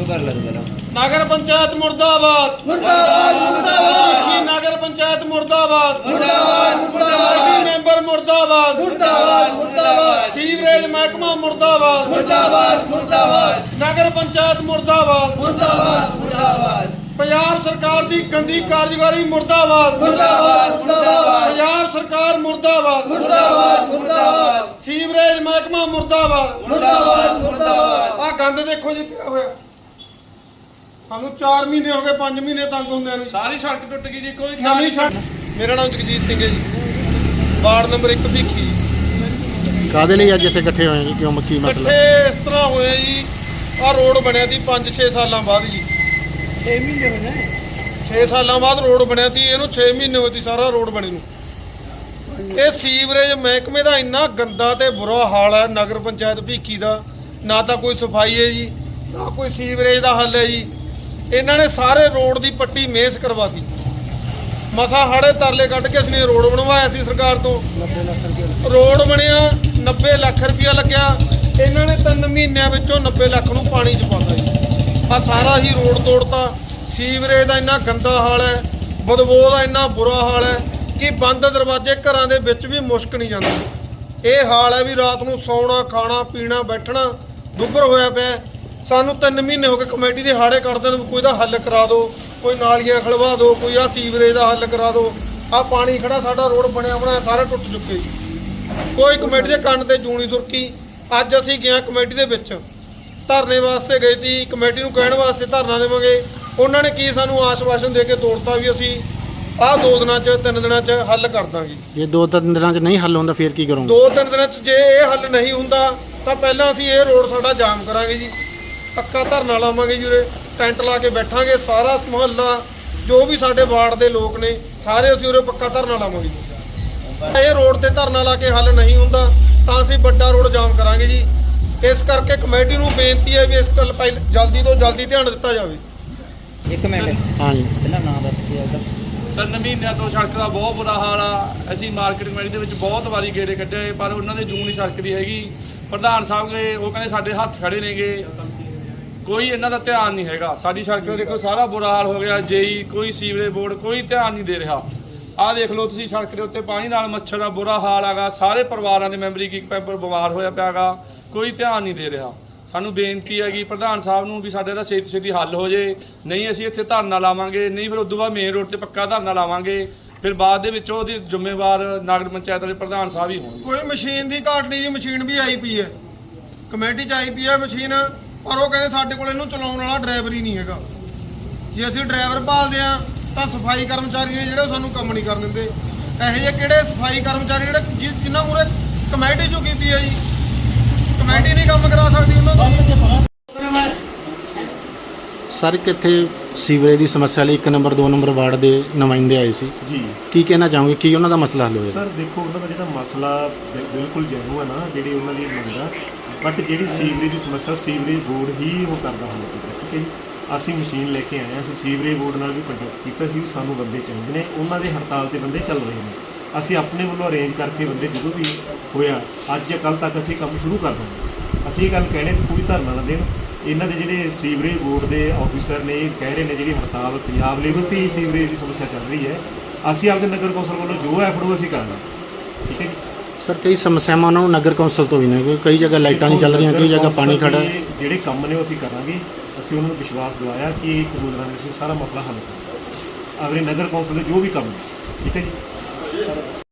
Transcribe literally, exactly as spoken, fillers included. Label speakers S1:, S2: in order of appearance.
S1: नगर पंचायत मुर्दाबाद मुर्दाबाद मुर्दाबाद नगर पंचायत मुर्दाबाद मुर्दाबाद मुर्दाबाद मेंबर मुर्दाबाद मुर्दाबाद मुर्दाबाद सीवरेज महकमा मुर्दाबाद मुर्दाबाद मुर्दाबाद नगर पंचायत मुर्दाबाद मुर्दाबाद मुर्दाबाद पंजाब सरकार दी गंदी कारगुजारी मुर्दाबाद मुर्दाबाद मुर्दाबाद पंजाब सरकार मुर्दाबाद मुर्दाबाद मुर्दाबाद सीवरेज महकमा मुर्दाबाद मुर्दाबाद मुर्दाबाद आ गंद देखो जी क्या होया ਸਾਨੂੰ चार महीने हो गए पांच महीने तंग ਹੁੰਦੇ ਨੇ
S2: ਸਾਰੀ ਸੜਕ ਟੁੱਟ ਗਈ ਜੀ ਕੋਈ
S1: ਨਵੀਂ ਸੜਕ। ਮੇਰਾ ਨਾਮ ਜਗਜੀਤ ਸਿੰਘ ਹੈ ਜੀ ਵਾਰਡ ਨੰਬਰ ਇੱਕ ਭੀਖੀ।
S3: ਕਾਦੇ ਲਈ ਅੱਜ ਇੱਥੇ ਇਕੱਠੇ ਹੋਏ ਜੀ ਕਿਉਂ ਕੀ ਮਸਲਾ
S1: ਇਕੱਠੇ ਇਸ ਤਰ੍ਹਾਂ ਹੋਇਆ ਜੀ ਆ ਰੋਡ ਬਣਿਆ ਸੀ ਪੰਜ ਛੇ ਸਾਲਾਂ ਬਾਅਦ ਜੀ
S2: ਛੇ ਮਹੀਨੇ ਹੋ ਗਏ
S1: ਛੇ ਸਾਲਾਂ ਬਾਅਦ ਰੋਡ ਬਣਿਆ ਸੀ ਇਹਨੂੰ ਛੇ ਮਹੀਨੇ ਹੋਏ ਸੀ ਸਾਰਾ ਰੋਡ ਬਣੇ ਨੂੰ। ਇਹ ਸੀਵਰੇਜ ਮਹਿਕਮੇ ਦਾ ਇੰਨਾ ਗੰਦਾ ਤੇ ਬੁਰਾ ਹਾਲ ਹੈ ਨਗਰ ਪੰਚਾਇਤ ਭੀਖੀ ਦਾ ਨਾ ਤਾਂ ਕੋਈ ਸਫਾਈ ਹੈ ਜੀ ਨਾ ਕੋਈ ਸੀਵਰੇਜ ਦਾ ਹੱਲ ਹੈ ਜੀ। ਇਹਨਾਂ ਨੇ ਸਾਰੇ ਰੋਡ ਦੀ ਪੱਟੀ ਮੇਸ ਕਰਵਾਤੀ ਮਸਾ ਹਾੜੇ ਤਰਲੇ ਕੱਢ ਕੇ ਅਸੀਂ ਰੋਡ ਬਣਵਾਇਆ ਸੀ ਸਰਕਾਰ ਤੋਂ ਰੋਡ ਬਣਿਆ ਨੱਬੇ ਲੱਖ ਰੁਪਇਆ ਲੱਗਿਆ ਇਹਨਾਂ ਨੇ ਤਿੰਨ ਮਹੀਨਿਆਂ ਵਿੱਚੋਂ ਨੱਬੇ ਲੱਖ ਨੂੰ ਪਾਣੀ 'ਚ ਪਾਤਾ ਜੀ। ਆ ਸਾਰਾ ਹੀ ਰੋਡ ਤੋੜਤਾ। ਸੀਵਰੇਜ ਦਾ ਇੰਨਾ ਗੰਦਾ ਹਾਲ ਹੈ ਬਦਬੂ ਦਾ ਇੰਨਾ ਬੁਰਾ ਹਾਲ ਹੈ ਕਿ ਬੰਦ ਦਰਵਾਜ਼ੇ ਘਰਾਂ ਦੇ ਵਿੱਚ ਵੀ ਮੁਸ਼ਕ ਨਹੀਂ ਜਾਂਦੇ। ਇਹ ਹਾਲ ਹੈ ਵੀ ਰਾਤ ਨੂੰ ਸੌਣਾ ਖਾਣਾ ਪੀਣਾ ਬੈਠਣਾ ਦੁੱਬਰ ਹੋਇਆ ਪਿਆ। ਸਾਨੂੰ ਤਿੰਨ ਮਹੀਨੇ ਹੋ ਗਏ ਕਮੇਟੀ ਦੇ ਹਾੜੇ ਕੱਢਦੇ ਨੂੰ ਕੋਈ ਦਾ ਹੱਲ ਕਰਾ ਦਿਓ ਕੋਈ ਨਾਲੀਆਂ ਖਲਵਾ ਦਿਓ ਕੋਈ ਆ ਸੀਵਰੇਜ ਦਾ ਹੱਲ ਕਰਾ ਦਿਓ। ਆ ਪਾਣੀ ਖੜਾ ਸਾਡਾ ਰੋਡ ਬਣਿਆ ਬਣਾਇਆ ਸਾਰਾ ਟੁੱਟ ਚੁੱਕੇ ਕੋਈ ਕਮੇਟੀ ਦੇ ਕੰਨ ਤੇ ਜੂਣੀ ਸੁਰਕੀ। ਅੱਜ ਅਸੀਂ ਗਏ ਕਮੇਟੀ ਦੇ ਵਿੱਚ ਧਰਨੇ ਵਾਸਤੇ ਗਏ ਸੀ ਕਮੇਟੀ ਨੂੰ ਕਹਿਣ ਵਾਸਤੇ ਧਰਨਾ ਦੇਵਾਂਗੇ। ਉਹਨਾਂ ਨੇ ਕੀ ਸਾਨੂੰ ਆਸ਼ਵਾਸਨ ਦੇ ਕੇ ਤੋੜਤਾ ਵੀ ਅਸੀਂ ਆਹ ਦੋ ਦਿਨਾਂ 'ਚ ਤਿੰਨ ਦਿਨਾਂ 'ਚ ਹੱਲ ਕਰ ਦਾਂਗੇ।
S3: ਜੇ ਦੋ ਤਿੰਨ ਦਿਨਾਂ 'ਚ ਨਹੀਂ ਹੱਲ ਹੁੰਦਾ ਫਿਰ ਕੀ ਕਰੋਗੇ?
S1: ਦੋ ਤਿੰਨ ਦਿਨਾਂ 'ਚ ਜੇ ਇਹ ਹੱਲ ਨਹੀਂ ਹੁੰਦਾ ਤਾਂ ਪਹਿਲਾਂ ਅਸੀਂ ਇਹ ਰੋਡ ਸਾਡਾ ਜਾਮ ਕਰਾਂਗੇ ਜੀ। ਪੱਕਾ ਧਰਨਾ ਲਾਵਾਂਗੇ ਜੀ ਉਰੇ ਟੈਂਟ ਲਾ ਕੇ ਬੈਠਾਂਗੇ ਸਾਰਾ ਮੁਹੱਲਾ ਜੋ ਵੀ ਸਾਡੇ ਵਾਰਡ ਦੇ ਲੋਕ ਨੇ ਸਾਰੇ ਅਸੀਂ ਉਰੇ ਪੱਕਾ ਧਰਨਾ ਲਾਵਾਂਗੇ ਜੀ। ਇਹ ਰੋਡ ਤੇ ਧਰਨਾ ਲਾ ਕੇ ਹੱਲ ਨਹੀਂ ਹੁੰਦਾ ਤਾਂ ਅਸੀਂ ਵੱਡਾ ਰੋਡ ਜਾਮ ਕਰਾਂਗੇ ਜੀ। ਇਸ ਕਰਕੇ ਕਮੇਟੀ ਨੂੰ ਬੇਨਤੀ ਹੈ ਵੀ ਇਸ ਗੱਲ ਪਹਿਲ ਜਲਦੀ ਤੋਂ ਜਲਦੀ ਧਿਆਨ ਦਿੱਤਾ ਜਾਵੇ।
S4: ਇੱਕ ਮਿੰਟ
S3: ਹਾਂਜੀ
S4: ਪਹਿਲਾਂ ਨਾਮ ਦੱਸ ਕੇ ਆਉਂਦਾ।
S2: ਤਿੰਨ ਮਹੀਨਿਆਂ ਤੋਂ ਸੜਕ ਦਾ ਬਹੁਤ ਬੁਰਾ ਹਾਲ ਆ। ਅਸੀਂ ਮਾਰਕੀਟ ਕਮੇਟੀ ਦੇ ਵਿੱਚ ਬਹੁਤ ਵਾਰੀ ਗੇੜੇ ਕੱਢੇ ਪਰ ਉਹਨਾਂ ਦੇ ਜੂਨ ਹੀ ਸੜਕ ਦੀ ਹੈਗੀ। ਪ੍ਰਧਾਨ ਸਾਹਿਬ ਗਏ ਉਹ ਕਹਿੰਦੇ ਸਾਡੇ ਹੱਥ ਖੜੇ ਨੇਗੇ ਕੋਈ ਇਹਨਾਂ ਦਾ ਧਿਆਨ ਨਹੀਂ ਹੈਗਾ। ਸਾਡੀ ਸੜਕ ਦਾ ਦੇਖੋ ਸਾਰਾ ਬੁਰਾ ਹਾਲ ਹੋ ਗਿਆ। ਜੇਈ ਕੋਈ ਸੀਵਰੇਜ ਬੋਰਡ ਕੋਈ ਧਿਆਨ ਨਹੀਂ ਦੇ ਰਿਹਾ। ਆਹ ਦੇਖ ਲਓ ਤੁਸੀਂ ਸੜਕ ਦੇ ਉੱਤੇ ਪਾਣੀ ਨਾਲ ਮੱਛਰ ਦਾ ਬੁਰਾ ਹਾਲ ਹੈਗਾ। ਸਾਰੇ ਪਰਿਵਾਰਾਂ ਦੇ ਮੈਂਬਰ ਇੱਕ ਮੈਂਬਰ ਬਿਮਾਰ ਹੋਇਆ ਪਿਆ ਗਾ ਕੋਈ ਧਿਆਨ ਨਹੀਂ ਦੇ ਰਿਹਾ। ਸਾਨੂੰ ਬੇਨਤੀ ਹੈਗੀ ਪ੍ਰਧਾਨ ਸਾਹਿਬ ਨੂੰ ਵੀ ਸਾਡੇ ਦਾ ਛੇਤੀ ਛੇਤੀ ਹੱਲ ਹੋ ਜੇ ਨਹੀਂ ਅਸੀਂ ਇੱਥੇ ਧਰਨਾ ਲਾਵਾਂਗੇ ਨਹੀਂ ਫਿਰ ਉਦੋਂ ਬਾਅਦ ਮੇਨ ਰੋਡ ਤੇ ਪੱਕਾ ਧਰਨਾ ਲਾਵਾਂਗੇ। ਫਿਰ ਬਾਅਦ ਦੇ ਵਿੱਚ ਉਹਦੀ ਜ਼ਿੰਮੇਵਾਰ ਨਗਰ ਪੰਚਾਇਤ ਵਾਲੇ ਪ੍ਰਧਾਨ ਸਾਹਿਬ ਹੀ ਹੋਣਗੇ।
S1: ਕੋਈ ਮਸ਼ੀਨ ਦੀ ਘਾਟ ਨਹੀਂ ਜੀ ਮਸ਼ੀਨ ਵੀ ਆਈ ਪਈ ਹੈ ਕਮੇਟੀ 'ਚ ਆਈ ਪਈ ਹੈ ਮਸ਼ੀਨ ਪਰ ਉਹ ਕਹਿੰਦੇ ਸਾਡੇ ਕੋਲ ਇਹਨੂੰ ਚਲਾਉਣ ਵਾਲਾ ਡਰਾਈਵਰ ਹੀ ਨਹੀਂ ਹੈਗਾ। ਜੇ ਅਸੀਂ ਡਰਾਈਵਰ ਭਾਲਦੇ ਆ ਤਾਂ ਸਫਾਈ ਕਰਮਚਾਰੀ ਨੇ ਜਿਹੜੇ ਸਾਨੂੰ ਕੰਮ ਨਹੀਂ ਕਰਨ ਦਿੰਦੇ। ਇਹੋ ਜਿਹੇ ਕਿਹੜੇ ਸਫਾਈ ਕਰਮਚਾਰੀ ਜਿਹੜੇ ਜਿਨ੍ਹਾਂ ਮੂਹਰੇ ਕਮੇਟੀ ਝੁਕੀ ਪਈ ਹੈ ਜੀ ਕਮੇਟੀ ਨਹੀਂ ਕੰਮ ਕਰਾ ਸਕਦੀ ਉਹਨਾਂ ਦਾ।
S3: ਸਰ ਕਿੱਥੇ ਸੀਵਰੇਜ ਦੀ ਸਮੱਸਿਆ ਲਈ ਇੱਕ ਨੰਬਰ ਦੋ ਨੰਬਰ ਵਾਰਡ ਦੇ ਨੁਮਾਇੰਦੇ ਆਏ ਸੀ
S5: ਜੀ
S3: ਕੀ ਕਹਿਣਾ ਚਾਹੋਗੇ ਕੀ ਉਹਨਾਂ ਦਾ ਮਸਲਾ ਹੱਲ ਹੋਇਆ?
S5: ਸਰ ਦੇਖੋ ਉਹਨਾਂ ਦਾ ਜਿਹੜਾ ਮਸਲਾ ਬਿ- ਬਿਲਕੁਲ ਜੈਨੂਅਨ ਆ ਜਿਹੜੀ ਉਹਨਾਂ ਦੀ ਮੰਗ ਆ ਬਟ ਜਿਹੜੀ ਸੀਵਰੇਜ ਦੀ ਸਮੱਸਿਆ ਸੀਵਰੇਜ ਬੋਰਡ ਹੀ ਉਹ ਕਰਦਾ ਹੱਲ ਕਰਦਾ। ਠੀਕ ਹੈ ਜੀ ਅਸੀਂ ਮਸ਼ੀਨ ਲੈ ਕੇ ਆਏ ਹਾਂ ਅਸੀਂ ਸੀਵਰੇਜ ਬੋਰਡ ਨਾਲ ਵੀ ਕੰਟੈਕਟ ਕੀਤਾ ਸੀ ਵੀ ਸਾਨੂੰ ਬੰਦੇ ਚਾਹੀਦੇ ਨੇ ਉਹਨਾਂ ਦੇ ਹੜਤਾਲ ਤੇ ਬੰਦੇ ਚੱਲ ਰਹੇ ਨੇ। ਅਸੀਂ ਆਪਣੇ ਵੱਲੋਂ ਅਰੇਂਜ ਕਰਕੇ ਬੰਦੇ ਜਦੋਂ ਵੀ ਹੋਇਆ ਅੱਜ ਜਾਂ ਕੱਲ੍ਹ ਤੱਕ ਅਸੀਂ ਕੰਮ ਸ਼ੁਰੂ ਕਰ ਦਾਂਗੇ। ਅਸੀਂ ਇਹ ਗੱਲ ਕਹਿਣੇ ਵੀ ਕੋਈ ਧਰਨਾ ਨਾ ਦੇਣ। ਇਹਨਾਂ ਦੇ ਜਿਹੜੇ ਸੀਵਰੇਜ ਬੋਰਡ ਦੇ ਆਫੀਸਰ ਨੇ ਇਹ ਕਹਿ ਰਹੇ ਨੇ ਜਿਹੜੀ ਹੜਤਾਲ ਪੰਜਾਬ ਲੈਵਲ ਤੇ ਹੀ ਸੀਵਰੇਜ ਦੀ ਸਮੱਸਿਆ ਚੱਲ ਰਹੀ ਹੈ ਅਸੀਂ ਆਪਦੇ ਨਗਰ ਕੌਂਸਲ ਵੱਲੋਂ ਜੋ ਐਫਰਟ ਅਸੀਂ ਕਰਾਂਗੇ। ਠੀਕ ਹੈ ਜੀ
S3: ਸਰ ਕਈ ਸਮੱਸਿਆਵਾਂ ਉਹਨਾਂ ਨੂੰ ਨਗਰ ਕੌਂਸਲ ਤੋਂ ਵੀ ਨੇ ਕਿਉਂਕਿ ਕਈ ਜਗ੍ਹਾ ਲਾਈਟਾਂ ਨਹੀਂ ਚੱਲ ਰਹੀਆਂ ਕਈ ਜਗ੍ਹਾ ਪਾਣੀ ਖੜਾ ਹੈ।
S5: ਜਿਹੜੇ ਕੰਮ ਨੇ ਉਹ ਅਸੀਂ ਕਰਾਂਗੇ। ਅਸੀਂ ਉਹਨਾਂ ਨੂੰ ਵਿਸ਼ਵਾਸ ਦਿਵਾਇਆ ਕਿ ਇੱਕ ਦੋ ਦਿਨਾਂ ਵਿੱਚ ਸਾਰਾ ਮਸਲਾ ਹੱਲ ਕਰਾਂਗੇ ਅਗਲੇ ਨਗਰ ਕੌਂਸਲ ਦੇ ਜੋ ਵੀ ਕੰਮ। ਠੀਕ ਹੈ ਜੀ।